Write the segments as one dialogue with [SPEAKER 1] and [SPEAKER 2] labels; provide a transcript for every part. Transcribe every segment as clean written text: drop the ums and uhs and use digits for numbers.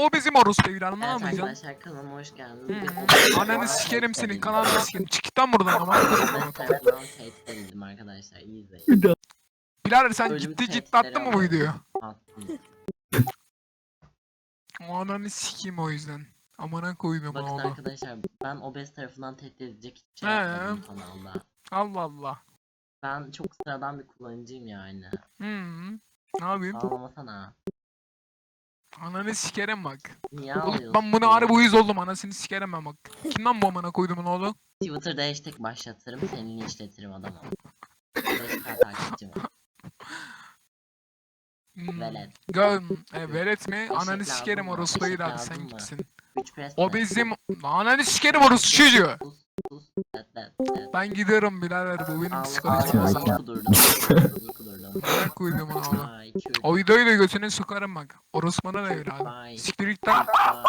[SPEAKER 1] o bizim orospu evladım, ne
[SPEAKER 2] Evet
[SPEAKER 1] yapacaksın?
[SPEAKER 2] arkadaşlar kanalıma hoş geldiniz.
[SPEAKER 1] Ananı sikerim senin, kanalını sikerim. Çık git lan buradan ama.
[SPEAKER 2] Ben tarafından tehdit edildim arkadaşlar. İyi izleyin.
[SPEAKER 1] Birader sen
[SPEAKER 2] Ölüm
[SPEAKER 1] ciddi
[SPEAKER 2] tehditleri
[SPEAKER 1] attın mı bu
[SPEAKER 2] alıyorum.
[SPEAKER 1] videoyu?
[SPEAKER 2] Attım.
[SPEAKER 1] Ananı sikeyim o yüzden. Amına koydum
[SPEAKER 2] Bakın
[SPEAKER 1] oğlu.
[SPEAKER 2] arkadaşlar ben obez tarafından tehdit edecek hiçbir şey
[SPEAKER 1] He.
[SPEAKER 2] yapmadım kanalda.
[SPEAKER 1] Allah Allah.
[SPEAKER 2] Ben çok sıradan bir kullanıcıyım yani.
[SPEAKER 1] Ne yapayım?
[SPEAKER 2] Ağlamasana.
[SPEAKER 1] Ananı sikerim bak.
[SPEAKER 2] Niye
[SPEAKER 1] Oğlum
[SPEAKER 2] ağlıyorsun?
[SPEAKER 1] ben buna harbi uyuz oldum, anasını sikerim ben bak. Kim lan bu amına koydumun oğlu?
[SPEAKER 2] Twitter'da hashtag başlatırım, seni linçletirim adamım. 5 takipçim var. Velet.
[SPEAKER 1] Velet mi? Ananı
[SPEAKER 2] Eşek
[SPEAKER 1] sikerim
[SPEAKER 2] lazım mı?
[SPEAKER 1] orospu
[SPEAKER 2] Eşek
[SPEAKER 1] evladı,
[SPEAKER 2] lazım
[SPEAKER 1] sen
[SPEAKER 2] mı?
[SPEAKER 1] kimsin?
[SPEAKER 2] 3 pres
[SPEAKER 1] O
[SPEAKER 2] mi?
[SPEAKER 1] bizim... Ananı sikerim orospu çocuğu.
[SPEAKER 2] Sus.
[SPEAKER 1] Ben gidiyorum birader, bu benim
[SPEAKER 2] Ağzını
[SPEAKER 1] psikolojim bozar.
[SPEAKER 2] kudurdum. Ağzını kudurdum.
[SPEAKER 1] Amına koydumun oğlu.
[SPEAKER 2] Ay kürt.
[SPEAKER 1] O videoyu da götüne sokarım bak. Orospu'na da evladı.
[SPEAKER 2] Bye.
[SPEAKER 1] Siktir git lan.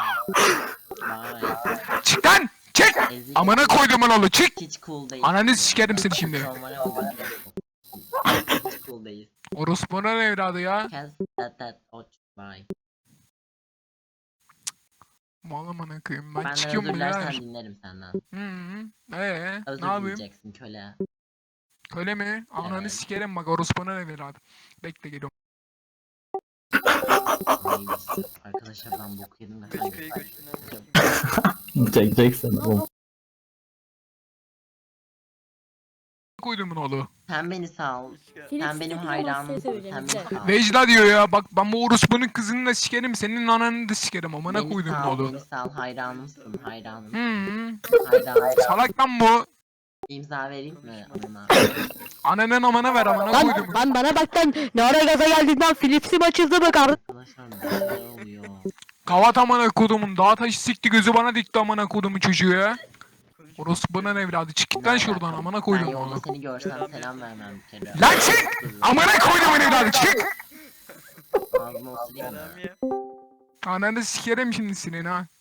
[SPEAKER 2] Bye.
[SPEAKER 1] Çık lan! Çık!
[SPEAKER 2] Ezik.
[SPEAKER 1] Amına koydumun oğlu, çık!
[SPEAKER 2] Hiç cool değil.
[SPEAKER 1] Ananı sikerim seni şimdi.
[SPEAKER 2] Normal olmak yok. Hiç cool değil.
[SPEAKER 1] Orospu'na da evladı ya.
[SPEAKER 2] Kes oç. Bye.
[SPEAKER 1] Mal amına koyayım. Ben
[SPEAKER 2] Benden
[SPEAKER 1] çıkıyorum
[SPEAKER 2] özür dilersen
[SPEAKER 1] birader.
[SPEAKER 2] dinlerim senden. Özür
[SPEAKER 1] Ne yapayım?
[SPEAKER 2] dileyeceksin köle.
[SPEAKER 1] Öyle mi? Ananı
[SPEAKER 2] Evet.
[SPEAKER 1] sikerim bak, orospuna ne evladı. Bekle geliyorum.
[SPEAKER 2] Neymiş? Arkadaşlar ben bok yedim de.
[SPEAKER 3] Çekeceksin oğlum.
[SPEAKER 1] Koydumun oğlu.
[SPEAKER 2] Sen beni sal. Sen benim
[SPEAKER 4] Felix
[SPEAKER 2] hayranımsın.
[SPEAKER 4] söyleyeceğim,
[SPEAKER 2] Sen
[SPEAKER 4] bir
[SPEAKER 2] beni
[SPEAKER 4] de.
[SPEAKER 2] sal.
[SPEAKER 1] Vecda diyor ya, bak ben bu orospunun kızını da sikerim, senin ananı da sikerim, amına
[SPEAKER 2] Beni
[SPEAKER 1] koydumun
[SPEAKER 2] sal,
[SPEAKER 1] oğlu.
[SPEAKER 2] beni sal. Hayranımsın, hayranım.
[SPEAKER 1] Hı.
[SPEAKER 2] Hayranım.
[SPEAKER 1] Salak lan bu.
[SPEAKER 2] İmza vereyim mi anına?
[SPEAKER 1] Ananın amana ver, amına koydumun.
[SPEAKER 4] Lan bana bak lan, ne ara gaza geldin lan, Philips'im açıldı mı kardeşim?
[SPEAKER 2] Arkadaşlar ne oluyor?
[SPEAKER 1] Kavat amına kodumun, dağ taşı sikti gözü bana dikti amına kodumun çocuğu ya. Orospunun evladı, çık git lan şuradan, amına
[SPEAKER 2] Ben
[SPEAKER 1] koydumun
[SPEAKER 2] yolda
[SPEAKER 1] oğlu.
[SPEAKER 2] seni görsem selam vermem bir kere.
[SPEAKER 1] Lan çık! Amına koydumun evladı, çık!
[SPEAKER 2] Ağzıma osurayım mı?
[SPEAKER 1] Ananı sikerim şimdi senin ha.